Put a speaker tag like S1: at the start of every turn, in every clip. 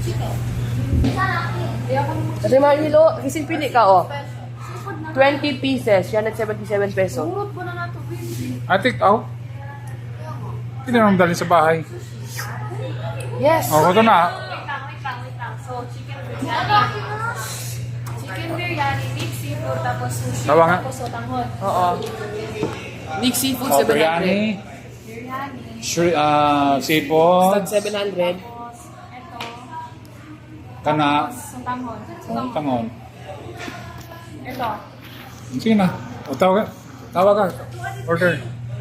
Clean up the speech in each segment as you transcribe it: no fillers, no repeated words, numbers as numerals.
S1: Kasi mahilo, kasi pili ka, oh. 20 pieces, 177 peso.
S2: I take out. Hindi na naman dalhin sa bahay.
S1: Yes!
S2: Oh, ito na.
S3: Wait lang. So, chicken biryani. Chicken biryani, mixed seafood, tapos sushi,
S2: Tawa nga.
S3: tapos sotanghon.
S1: Oo. Mixed seafood,
S2: Oh,
S1: 700.
S2: biryani.
S3: Biryani.
S2: Seafood.
S1: Stag 700.
S3: Tapos, eto.
S2: Kana.
S3: Sotanghon.
S2: Tangon.
S3: Ito.
S2: Sige na. O, tawag ka. Tawag ka. Order.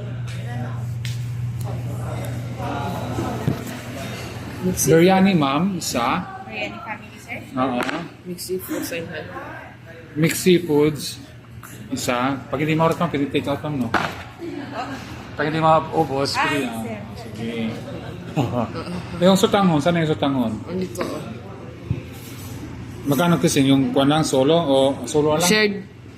S1: Mixed
S2: Biryani, ma'am. Isa.
S3: Biryani family, sir.
S2: Oo.
S1: Mixed seafood, 700.
S2: Mixed seafoods. Isa. Pag hindi maurot mo, pwede take out mo, no? Pag hindi maubos, pwede. Sige. Yung sutangon, saan yung sutangon?
S1: Andito, oh.
S2: Magkano kasi yung kuwan lang, solo o solo lang?
S1: Shared.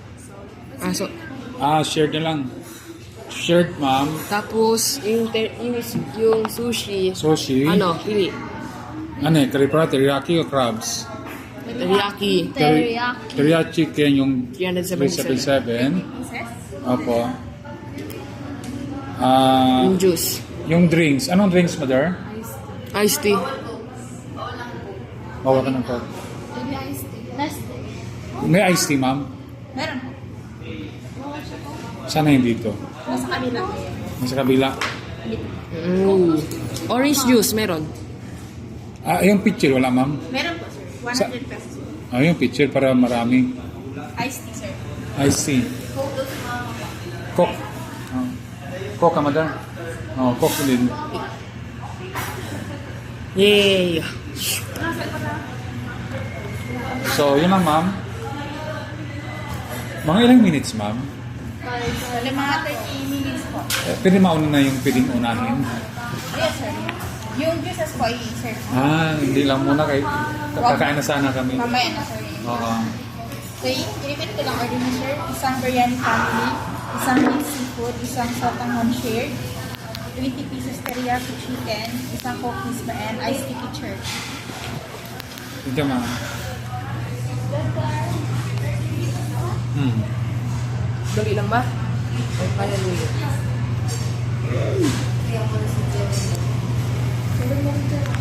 S2: Shared na lang. Shared, ma'am.
S1: Tapos, yung sushi.
S2: Sushi.
S1: Ano, pili.
S2: Ano eh, karipara, teriyaki o crabs?
S1: Teriyaki.
S2: Teriyaki chicken, yung
S1: 377.
S2: 377. Opo.
S1: Yung juice.
S2: Yung drinks. Anong drinks, mother?
S1: Iced tea.
S2: Bawa ka ng coke. May iced tea, ma'am?
S3: Meron.
S2: Sana yung dito?
S3: Nasa kabila.
S2: Nasa kabila.
S1: Orange juice, meron.
S2: Yung pitcher, wala, ma'am?
S3: Meron po, sir. 100 pesos.
S2: Yung pitcher para marami.
S3: Iced tea, sir.
S2: Iced tea. Coke. Coke ka, mother? Coke din.
S1: Yay!
S2: So, yun lang, ma'am. Mga ilang minutes, ma'am?
S3: Mga 30 minutes po.
S2: Pwede mauna na yung pwedeng unahin.
S3: Yes, sir. Yung juices po, sir.
S2: Hindi lang muna kay kakain na sana kami.
S3: Mamaya na, sir.
S2: Oo.
S3: So, i-repeat ko lang order mo, sir. Isang biryani family, isang mixed seafood, isang sotanghon shared, 20 pieces teriyaki chicken, isang cookies ba, and iced sticky church.
S2: Thank you, ma'am.
S1: Dali lang ba? O kaya luyo?